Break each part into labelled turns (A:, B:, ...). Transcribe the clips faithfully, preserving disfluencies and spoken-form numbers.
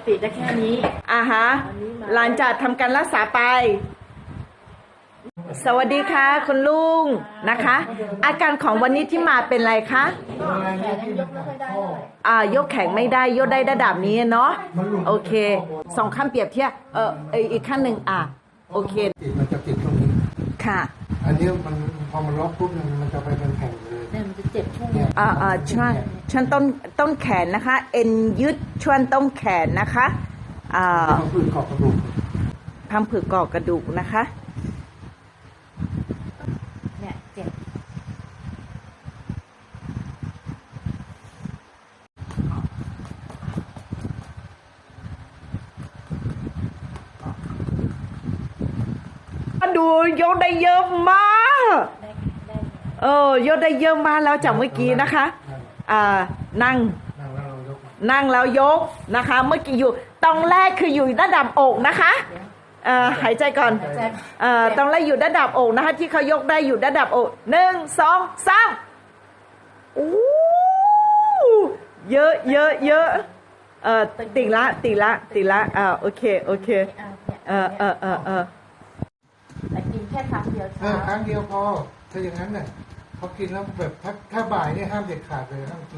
A: ติได้แค่นี้
B: อ่าฮะหลังจากทำการรักษาไปสวัสดีค่ะคุณลุงนะคะ อาการของวันนี้ที่มาเป็นไรคะ
A: แขนยังยกไม่ค่อยได้เลย
B: อ่ายกแข็งไม่ได้ยกได้ระดับนี้เนาะโอเคสองขั้นเปรียบเทียบเอออีกขั้นหนึ่งอ่ะโอเค
C: มันจะติดตรงนี้
B: ค่ะ
C: อันนี้มันพอมันล็อกปุ๊บมันจะไปเป็นแผ่นเลย
A: เนี่ยมันจะเจ็บช่วง
B: อ่าอ่าช่วงช่วงต้นต้นแขนนะคะเอ็นยืดช่วงต้นแขนนะคะอ่า
C: พังผืดเกาะกระดูก
B: พังผืดเกาะกระดูกนะคะ
A: เนี่ยเจ็บ
B: ดูยกได้เยอะมากเออยกได้เยอะมากแล้วจากเมื่อกี้นะคะอ่านั่งนั่งแล้วยกนะคะเมื่อกี้อยู่ตรงแรกคืออยู่ระดับอกนะคะเอ่อหายใจก่อนเอ่อตรงแรกอยู่ระดับอกนะคะที่เขายกได้อยู่ระดับอกหนึ่งสองสามอู้เยอะเยอะเยอะเอ่อติดละติดละติดละอ่าโอเคโอเคเออเออเออเออ
A: แต่กินแค่ครั้งเดียว
C: เออครั้งเดียวพอถ้าอย่างนั้นเนี่ยพอกินแล้วแบบถ้าถ้าบ่ายเนี่ยห้ามเด็ดขาดเลยห้ามกิน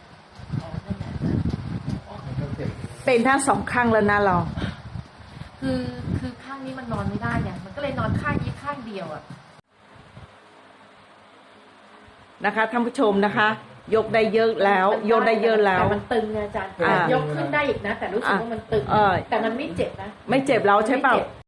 B: เป็นทั้งสองข้างแล้วนะเรา
A: คือคือข้างนี้มันนอนไม่ได้เนี่ยมันก็เลยนอนข้างนี้ข้างเดียวอ่ะ
B: นะคะท่านผู้ชมนะคะ ยกได้เยอะแล้วยกได้เยอะแล้ว
A: แต่มันตึงนะอาจารย์ยกขึ้นได้อีกนะแต่รู้สึกว่ามันตึงแต่มันไม่เจ็บนะ
B: ไม่เจ็บแล้วใช่เปล่า